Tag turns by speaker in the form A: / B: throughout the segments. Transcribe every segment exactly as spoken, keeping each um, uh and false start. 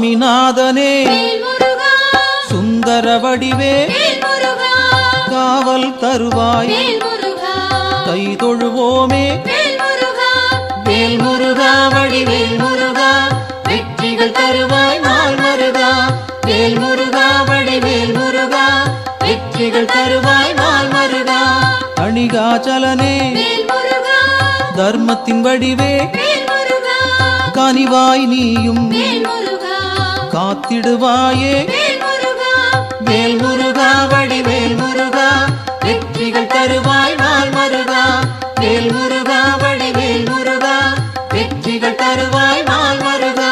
A: சுவாமிநாதனே சுந்தர வடிவே காவல் தருவாய் கை தொழுவோமே வேல் முருகா வடிவேல் முருகா வெற்றிகள் தருவாய் நாள் மருகா வேல் முருகா வடிவேல் முருகா வெற்றிகள் தருவாய் நாள் மருகா அணிகாச்சலனே தர்மத்தின் வடிவே கனிவாய் நீயும் காத்திடுவாயே வேல் முருகா வடிவேல் முருகா வெற்றிகள் தருவாய் நாள் மருகா வேல் முருகா வடிவேல் முருகா வெற்றிகள் தருவாய் நாள் மருகா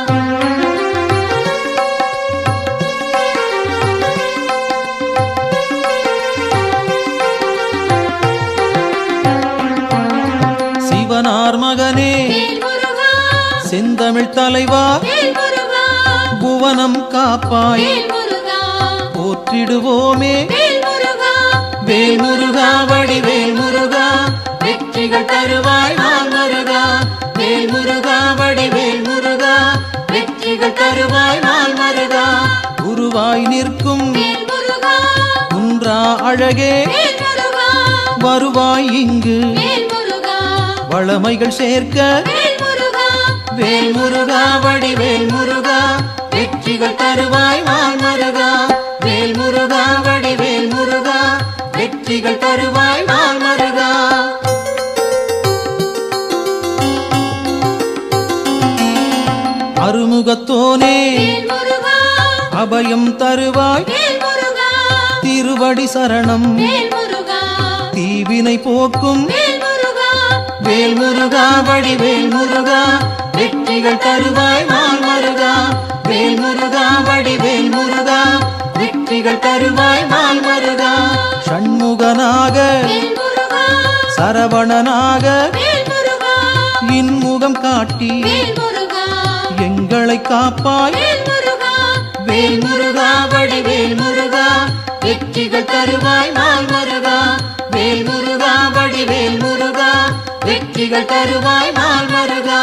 A: சிவனார் மகனே செந்தமிழ் தலைவா புவனம் காப்பாய் போற்றிடுவோமே வேல் முருகா வடிவேல் முருகா வெற்றிகள் தருவாய் நாள் மருகா வேல் முருகா வடிவேல் முருகா வெற்றிகள் தருவாய் நாள் மருகா குருவாய் நிற்கும் குன்றா அழகே வருவாய் இங்கு வளமைகள் சேர்க்க வேல் முருகா வடிவேல் முருகா வெற்றிகள் தருவாய் நாள் மருகா வேல் முருகா வடிவேல் முருகா வெற்றிகள் தருவாய் நாள் மருகா அருமுகத்தோனே அபயம் தருவாய் திருவடி சரணம் தீவினை போக்கும் வேல் முருகா வடிவேல் முருகா வெற்றிகள் தருவாய் நாள் மருகா வேல் முருகா வடிவேல் முருகா வெற்றிகள் தருவாய் நாள் மருகா ஷண்முகனாக சரவணனாக இன்முகம் காட்டி எங்களை காப்பாய் வேல் முருகா வடிவேல் முருகா வெற்றிகள் தருவாய் நாள் மருகா வேல் முருகா வடிவேல் முருகா வெற்றிகள் தருவாய் நாள் மருகா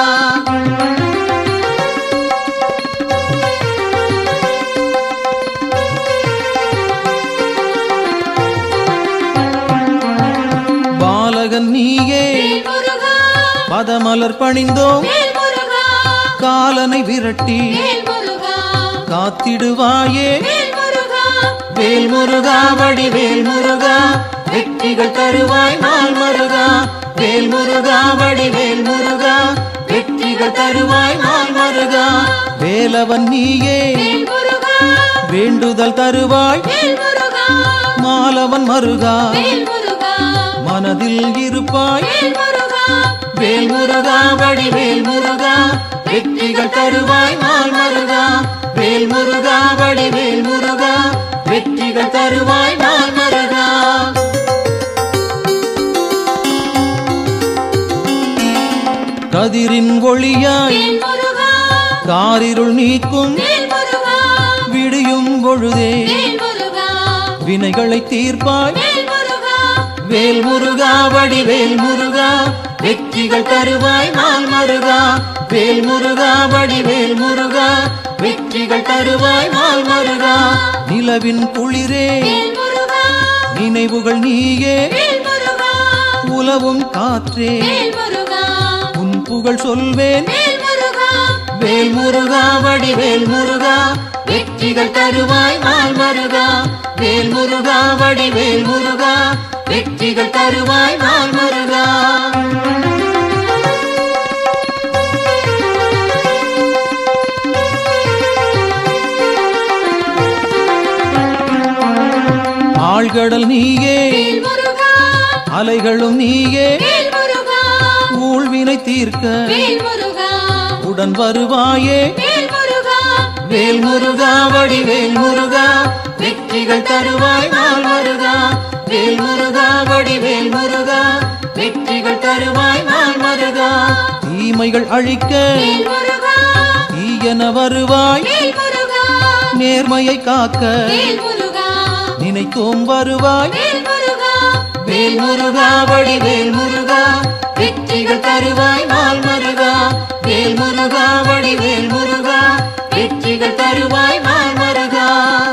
A: பாலகன் நீயே பதமலர் பணிந்தோம் காலனை விரட்டி காத்திடுவாயே வேல் முருகா வடிவேல் முருகா வெற்றிகள் தருவாய் நாள் மருகா வேல் முருகா வடிவேல் முருகா வெற்றிகள் தருவாய் நாள் மருகா வேலவன் நீயே வேண்டுதல் தருவாய் மாலவன் மருகா மனதில் இருப்பாய் வேல் முருகா வடிவேல் முருகா வெற்றிகள் தருவாய் நாள் மருகா வேல் முருகா வடிவேல் முருகா வெற்றிகள் தருவாய் நாள் மருகா கதிரின் ஒளியாய் காரிருள் நீக்கும் விடியும் பொழுதே வினைகளை தீர்ப்பாய் வேல் முருகா வடிவேல் முருகா வெற்றிகள் தருவாய் நாள் மருகா வேல் முருகா வடிவேல் முருகா வெற்றிகள் தருவாய் நாள் மருகா நிலவின் குளிரே நினைவுகள் நீயே உலவும் காற்றே உன் புகழ் சொல்வேன் வேல் முருகா வடிவேல் முருகா வெற்றிகள் தருவாய் நாள் மருகா வேல் முருகா வடிவேல் முருகா வெற்றிகள் தருவாய் நாள் மருகா ஆழ்கடல் நீயே அலைகளும் நீயே ஊழ்வினை தீர்க்க உடன் வருவாயே வேல் முருகா வடிவேல் முருகா வெற்றிகள் தருவாய் நாள் மருகா வேல் முருகா வடிவேல் முருகா வெற்றிகள் தருவாய் நாள் மருகா தீமைகள் அழிக்க தீயன வருவாய் நேர்மையை காக்க நினைத்தோம் வருவாய் வேல் முருகா வடிவேல் முருகா வெற்றிகள் தருவாய் நாள் மருகா வேல் முருகா வடிவேல் முருகா வெற்றிகள் வெற்றிகள் தருவாய் நாள் மருகா.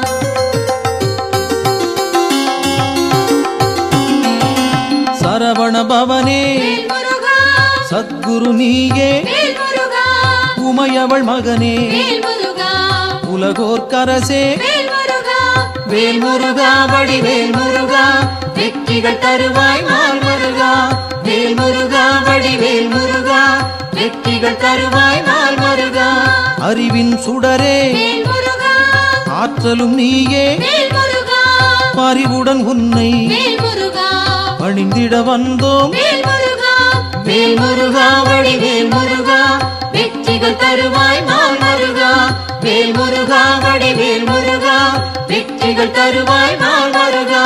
A: சரவண பவனே சத்குரு நீயே உமையவள் மகனே உலகோர்க்கரசே வேல் முருகா வடிவேல் முருகா வெற்றிகள் தருவாய் நாள் மருகா. வேல் முருகா வடிவேல் முருகா வெற்றிகள் தருவாய் நாள் மருகா. அறிவின் சுடரே ஆற்றலும் நீயே பறிவுடன் உன்னை பணிந்திட வந்தோம். வேல் முருகா வடிவேல் முருகா வெற்றிகள் தருவாய் நாள் மருகா. வேல் முருகா வடிவேல் முருகா வெற்றிகள் தருவாய் நாள் மருகா.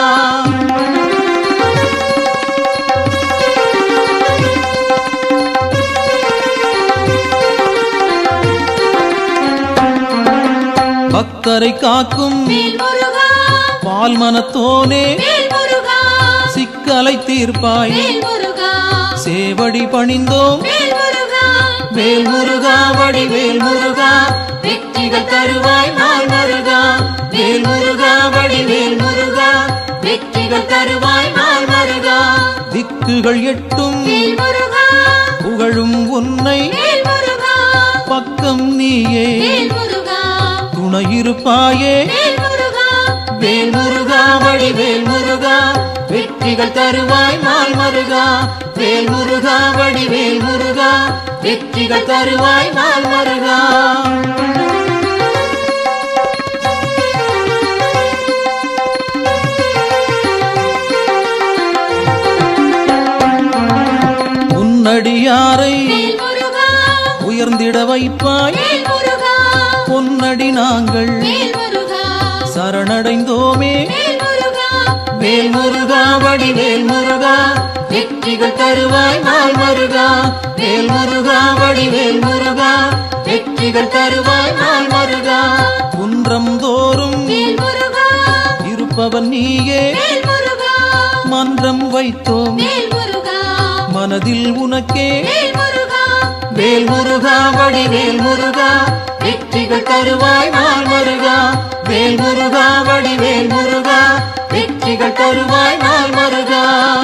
A: பக்தரை காக்கும் பால் மனத்தோனே சிக்கலை தீர்ப்பாய் சேவடி பணிந்தோம். வேல் முருகா வடிவேல் முருகா வெற்றிகள் தருவாய் நாள் மருகா. வேல் முருகா வடிவேல் முருகா வெற்றிகள் தருவாய் நாள் மருகா. திக்குகள் எட்டும் புகழும் உன்னை பக்கம் நீயே துணையிருப்பாயே. வேல் முருகா வடிவேல் முருகா வெற்றிகள் தருவாய் நாள் மருகா. வேல் முருகா வடிவேல் முருகா வெற்றிகள் தருவாய் நாள் மருகா. உன்னடியாரை உயர்ந்திட வைப்பாய் பொன்னடி நாங்கள் சரணடைந்தோமே. வேல் முருகா வடிவேல் முருகா வெற்றிகள் தருவாய் நாள் மருகா. வேல் முருகா வடிவேல் முருகா வெற்றிகள் தருவாய் நாள் மருகா. குன்றம் தோறும் இருப்பவன் நீயே மன்றம் வைத்தோம் மனதில் உனக்கே. வேல் முருகா வடிவேல் முருகா வெற்றிகள் தருவாய் நாள் மருகா. வேல் முருகா வடிவேல் முருகா வெற்றிகள் தருவாய் நாள் மருகா.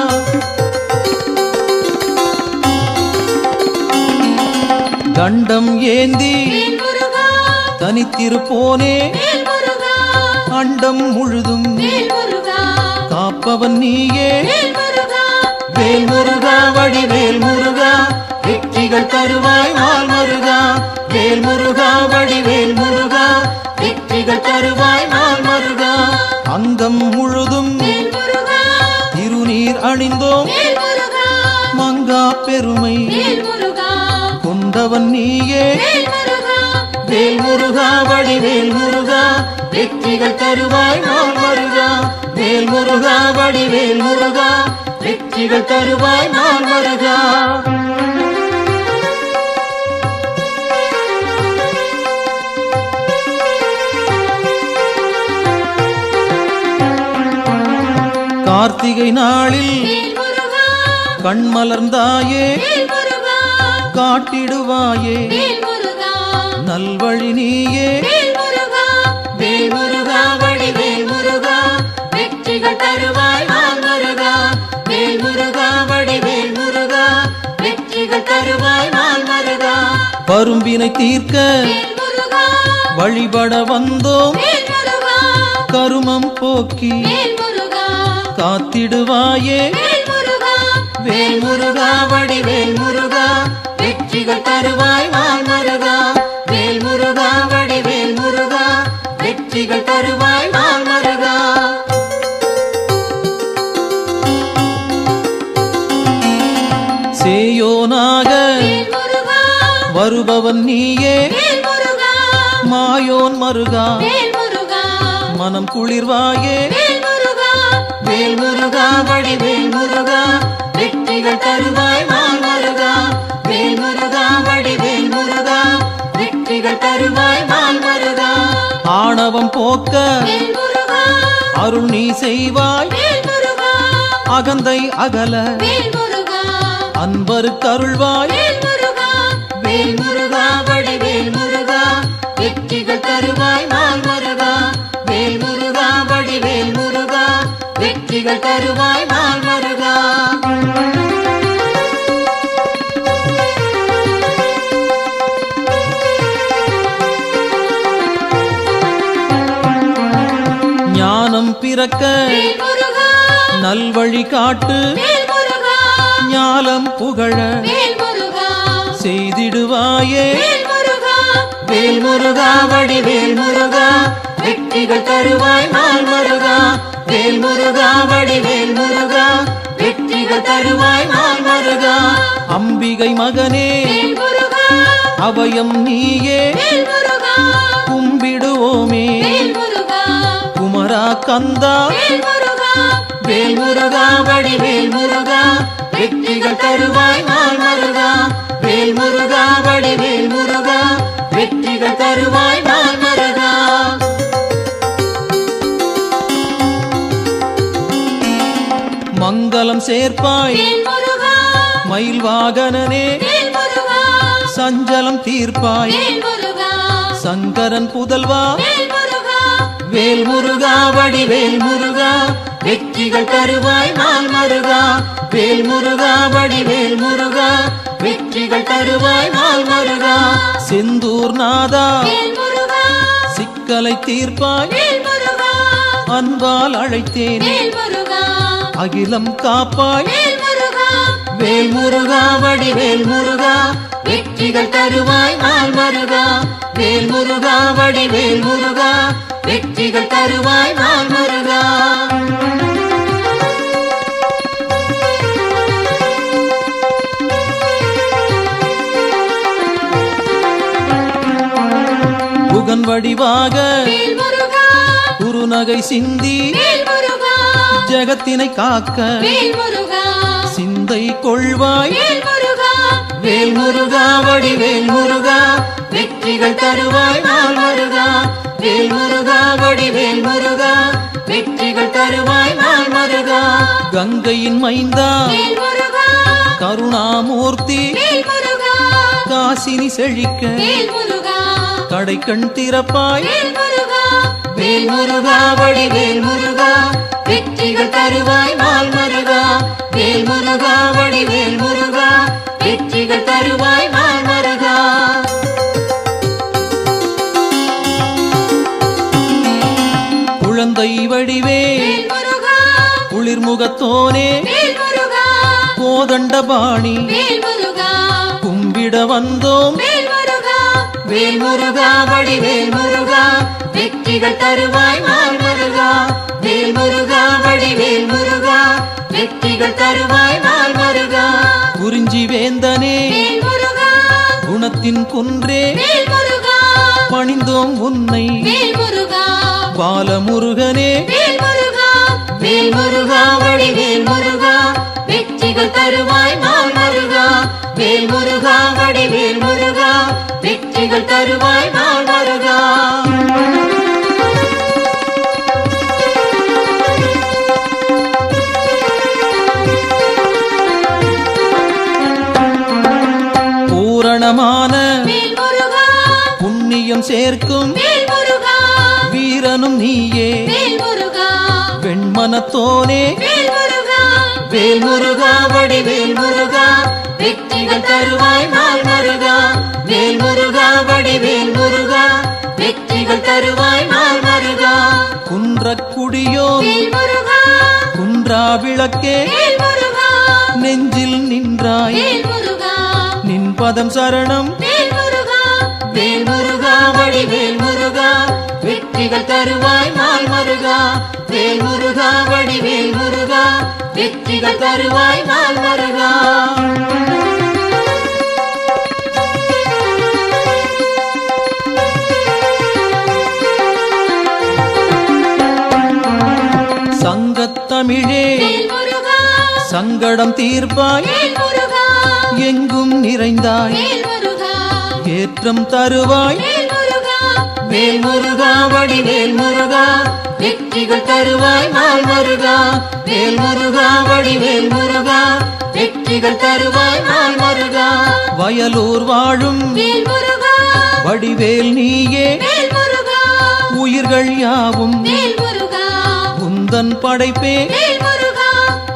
A: தண்டம் ஏந்தி தனித்திருப்போனே அண்டம் முழுதும் காப்பவன் நீயே. வேல் முருகா வடிவேல் முருகா வெற்றிகள் தருவாய் நாள் மருகா. வேல் முருகா வடிவேல் முருகா வெற்றிகள் தருவாய் நாள் மருகா. அங்கம் முழுதும் திருநீர் அணிந்தோம் மங்கா பெருமை கொண்டவன் நீயே. வேல் முருகா வடிவேல் முருகா வெற்றிகள் தருவாய் நாள் மருகா. வேல் முருகா வடிவேல் முருகா வெற்றிகள் தருவாய் நாள் மருகா. கார்த்திகை நாளில் கண்மலர்ந்தாயே காட்டிடுவாயே நல்வழி நீயே. வேல் முருகா வடிவேல் முருகா வெற்றிகள் தருவாய் நாள் மருகா. வேல் முருகா வடிவேல் முருகா வெற்றிகள் தருவாய் நாள் மருகா. பரும்பினை தீர்க்க வழிபட வந்தோம் கருமம் போக்கி காத்திடுவாயே. வேல் முருகா வடிவேல் முருகா வெற்றிகள் தருவாய் நாள் மருகா. வேல் முருகா வடிவேல் முருகா வெற்றிகள் தருவாய் நாள் மருகா. சேயோனாக வருபவன் நீயே மாயோன் மருகா மனம் குளிர்வாயே. வேல் முருகா வடிவேல் முருகா வெற்றிகள் தருவாய் நாள் மருகா. வேல் முருகா வடிவேல் முருகா வெற்றிகள் தருவாய் நாள் மருகா. ஆணவம் போக்க அருள் நீ செய்வாய் அகந்தை அகல அன்பருக்கு அருள்வாய். வேல் முருகா வடிவேல் முருகா வெற்றிகள் தருவாய் வெற்றிகள் தருவாய் நாள் மருகா. ஞானம் பிறக்க நல்வழி காட்டு, ஞாலம் புகழ செய்திடுவாயே வேல் முருகா. வடிவேல் முருகா வெற்றிகள் தருவாய் நாள் மருகா. வேல் முருகா வடிவேல் முருகா வெற்றிகள் தருவாய் நாள் மருகா. அம்பிகை மகனே அபயம் நீயே கும்பிடுவோமே குமரா கந்தா. வேல் முருகா வடிவேல் முருகா வெற்றிகள் தருவாய் நாள் மருகா. வேல் முருகா வடிவேல் முருகா வெற்றிகள் தருவாய் நாள் மருகா. மங்களம் சேர்ப்பாய் மயில் வாகனனே, சஞ்சலம் தீர்ப்பாய் சங்கரன் புதல்வா. வேல் முருகா வடிவேல் முருகா வெற்றிகள் தருவாய் நாள் மருகா. வேல் முருகா வடிவேல் முருகா வெற்றிகள் தருவாய் நாள் மருகா. செந்தூர் நாதா சிக்கலை தீர்ப்பாய், அன்பால் அழைத்தேன் அகிலம் காப்பாய். வேல் முருகா வடிவேல் முருகா வெற்றிகள் தருவாய் நாள் மருகா. வேல் முருகா வடிவேல் முருகா வெற்றிகள் தருவாய் நாள் மருகா. புகன் வடிவாக குருநகை சிந்தி ஜகத்தினை காக்க சிந்தை கொள்வாய். வேல் முருகா வடிவேல் முருகா வெற்றிகள் தருவாய் நாள் மருகா. வேல் முருகா வடிவேல் முருகா வெற்றிகள் தருவாய் நாள் மருகா. கங்கையின் மைந்தா கருணாமூர்த்தி காசினி செழிக்க கடை கண் திறப்பாய். வேல் முருகா வடிவேல் முருகா வெற்றிகள் தருவாய் நாள் மருகா. வேல் முருகா வடிவேல் முருகா வெற்றிகள் தருவாய் நாள் மருகா. குழந்தை வடிவே குளிர்முகத்தோனே கோதண்டபாணி கும்பிட வந்தோம். வேல் முருகா வடிவேல் முருகா வெற்றிகள் தருவாய் நாள் மருகா. வேல் முருகா வடிவேல் முருகா வெற்றிகள் தருவாய் நாள் மருகா. குறிஞ்சி வேந்தனே குணத்தின் குன்றே பணிந்தோம் உன்னை பாலமுருகனே. வேல் முருகா வடிவேல் முருகா வெற்றிகள் தருவாய் நாள் மருகா. வேல் முருகா வடிவேல் முருகா வெற்றிகள் தருவாய் நாள் மருகா. பூரணமான புண்ணியம் சேர்க்கும் வீரனும் நீயே வெண்மனத்தோனே. வேல் முருகா வடிவேல் முருகா வெற்றிகள் தருவாய் நாள் மருகா. வேல் முருகா வடிவேல் முருகா வெற்றிகள் தருவாய் நாள் மருகா. குன்றக்குடியோ குன்றா விளக்கே நெஞ்சில் நின்றாய் நின் பதம் சரணம். வேல் முருகா வடிவேல் முருகா வெற்றிகள் தருவாய் நாள் மருகா. வேல் முருகா வடிவேல் முருகா வெற்றிகள் தருவாய் நாள் மருகா. சங்கத்தமிழே சங்கடம் தீர்ப்பாய் எங்கும் நிறைந்தாய் ஏற்றம் தருவாய். வேல் முருகா வடிவேல் முருகா வெற்றிகள் தருவாய் நாள் மருகா. வேல் முருகா வடிவேல் முருகா வெற்றிகள் தருவாய் நாள் மருகா. வயலூர் வாழும் வடிவேல் நீயே உயிர்கள் யாவும் உந்தன் படைப்பே.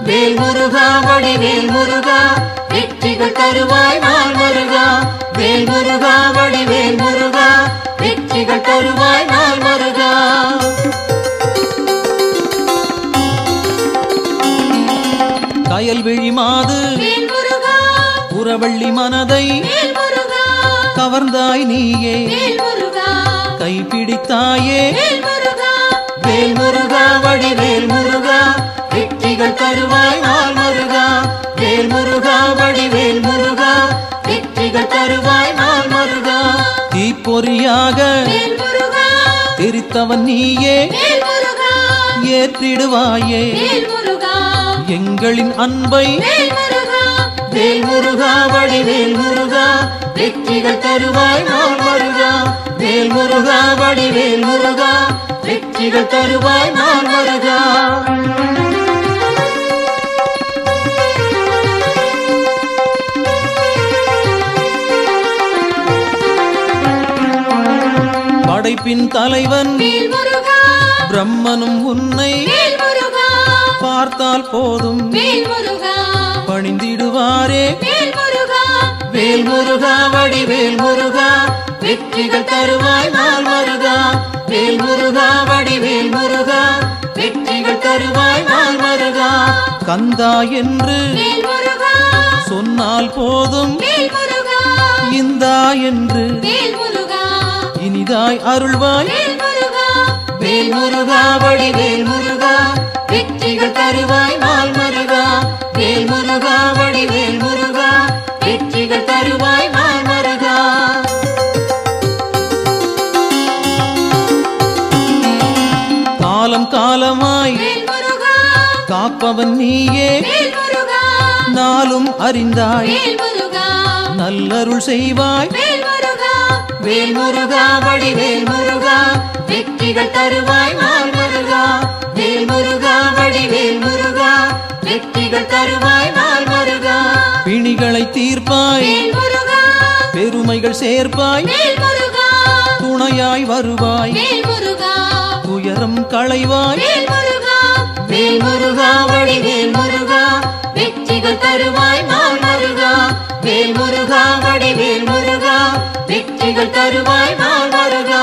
A: வேல் முருகா வடிவேல் முருகா வெற்றிகள் தருவாய் நாள் முருகா வேல் முருகா வடிவேல் முருகா வெற்றிகள் தருவாய் நாள் முருகா கயல்விழி மாது புறவள்ளி மனதை கவர்ந்தாய் நீயே கைப்பிடித்தாயே வேல் முருகா வடிவேல் முருகா வெற்றிகள் தருவாய் நாள் முருகா வேல் முருகா வடிவேல் முருகா வெற்றிகள் தருவாய் நாள் முருகா தீப்பொறியாக தெரித்தவன் நீயே ஏற்றிடுவாயே எங்களின் அன்பை வேல் முருகா வடிவேல் முருகா வெற்றிகள் தருவாய் நாள் முருகா வேல் முருகா வடிவேல் முருகா வெற்றிகள் தருவாய் நாள் முருகா படைப்பின் தலைவன் பிரம்மனும் உன்னை பார்த்தால் போதும் பணிந்திடுவாரே வேல் முருகா வடிவேல் முருகா வெற்றிகள் தருவாய் நாள் முருகா வேல் முருகா வடிவேல் முருகா வெற்றிகள் தருவாய் நாள் முருகா கந்தா என்று சொன்னால் போதும் இந்தா என்று இனிதாய் அருள்வாய் வேல் முருகா வடிவேல் முருகா வெற்றிகள் தருவாய் நாள் முருகா வேல் முருகா வடிவேல் முருகா வெற்றிகள் தருவாய் நாள் முருகா காலம் காலமாய் காப்பவன் நீயே நாளும் அறிந்தாய் நல்லருள் செய்வாய் வேல் முருகா வடிவேல் முருகா வெற்றிகள் தருவாய் நாள் முருகா வேல் முருகா வடிவேல் முருகா வெற்றிகள் தருவாய் நாள் முருகா பிணிகளை தீர்ப்பாய் பெருமைகள் சேர்ப்பாய் துணையாய் வருவாய் துயரம் களைவாய் வேல் முருகா வடிவேல் முருகா வெற்றிகள் தருவாய் நாள் முருகா வேல் முருகா வடிவேல் முருகா வெற்றிகள் தருவாய் நாள் முருகா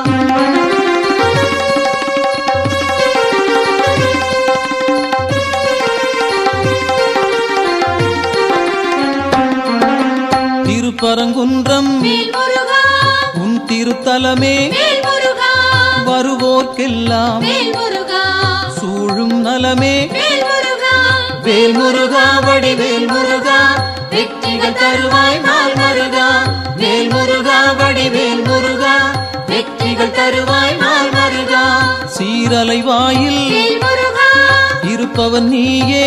A: திருப்பரங்குன்றம் உன் திருத்தலமே வருவோர்க்கெல்லாம் சூழும் நலமே வேல் முருகா வடிவேல் முருகா வெற்றிகள் தருவாய் நாள் முருகா வேல் முருகா வடிவேல் முருகா வெற்றிகள் தருவாய் நாள் முருகா சீரலை வாயில் இருப்பவன் நீயே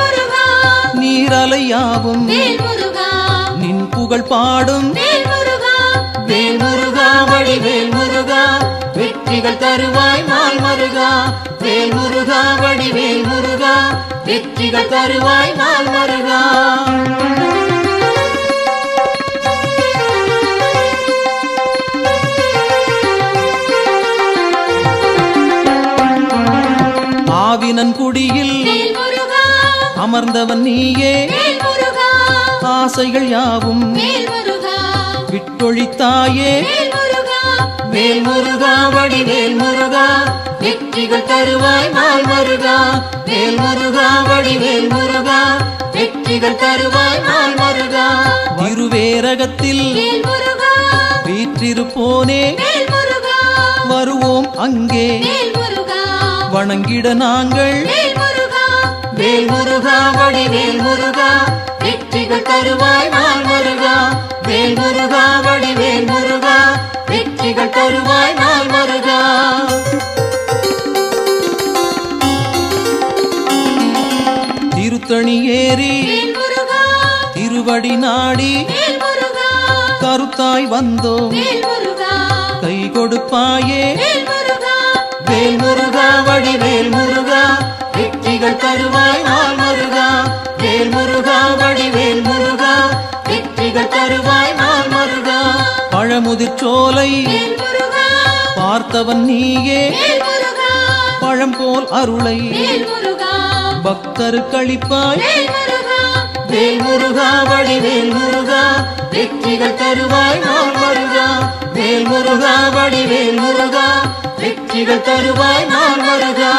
A: நீரலையாவும் நின் புகழ் பாடும் வேல் முருகா வடிவேல் முருகா வெற்றிகள் தருவாய் நாள் முருகா வேல் முருகா வடிவேல் முருகா வெற்றிகள் தருவாய் நாள் முருகா ஆவினன் குடியில் அமர்ந்தவன் நீயே ஆசைகள் யாவும் விட்டொழித்தாயே வேல் முருகா வடிவேல் முருகா வெற்றிகள் தருவாய் நாள் முருகா வேல் முருகா வடிவேல் முருகா வெற்றிகள் தருவாய் நாள் முருகா திருவேரகத்தில் வீற்றிருப்போனே வருவோம் அங்கே வணங்கிட நாங்கள் வேல் முருகா வடிவேல் முருகா வெற்றிகள் தருவாய் நாள் முருகா வேல் முருகா வடிவேல் முருகா வெற்றிகள் தருவாய் நாள் முருகா திருத்தணி ஏறி திருவடி நாடி கருத்தாய் வந்தோம் கை கொடுப்பாயே வேல் முருகா வடிவேல் முருகா வெற்றிகள் தருவாய் நாள் முருகா வேல் முருகா வடிவேல் முருகா வெற்றிகள் தருவாய் நாள் முருகா பழமுதிர்ச்சோலை பார்த்தவன் நீயே பழம் போல் அருளை
B: பக்தருக்களிப்பாய்
A: வேல் முருகா வேல் முருகா வடிவேல் முருகா வெற்றிகள் தருவாய் நாள் முருகா வேல் முருகா வடிவேல் முருகா வெற்றிகள் தருவாய் நாள் முருகா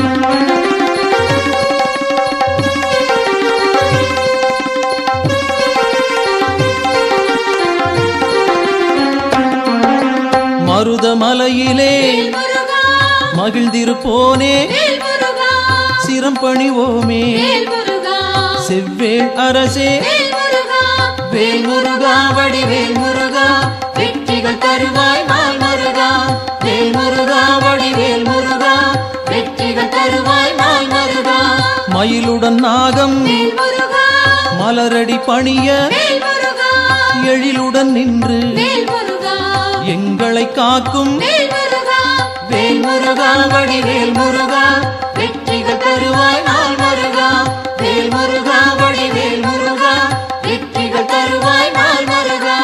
B: மருதமலையிலே மகிழ்ந்திருப்போனே சிரம் பணிவோமே செவ்வேள் அரசே
A: வேல் முருகா வடிவேல் முருகா வெற்றிகள் தருவாய் நாள் முருகா வேல் முருகா வடிவேல் முருகா வெற்றிகள் தருவாய் நாள் முருகா
B: மயிலுடன் நாகம் மலரடி பணிய எழிலுடன் நின்று எங்களை காக்கும்
A: வேல் முருகா வடிவேல் முருகா வெற்றிகள் தருவாய் நாள் முருகா வேல் முருகா வடிவேல் முருகா வெற்றிகள் தருவாய் நாள் முருகா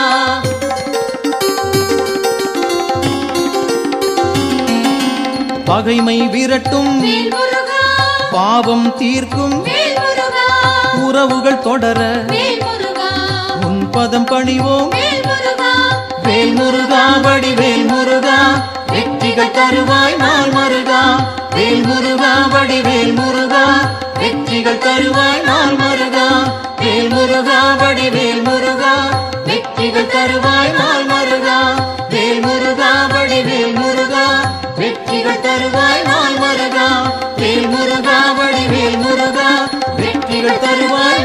B: பகைமை விரட்டும் பாவம் தீர்க்கும் உறவுகள் தொடர உன் பதம் பணிவோம்
A: வேல் முருகா வடிவேல் முருகா வெற்றிகள் தருவாய் நாள் முருகா வேல் முருகா வடிவேல் முருகா வெற்றிகள் தருவாய் நாள் முருகா வேல் முருகா வடிவேல் முருகா வெற்றிகள் தருவாய் நாள் முருகா வேல் முருகா வடிவேல் முருகா வெற்றிகள் தருவாய் நாள் முருகா வேல் முருகா வடிவேல் முருகா வெற்றிகள் தருவாய்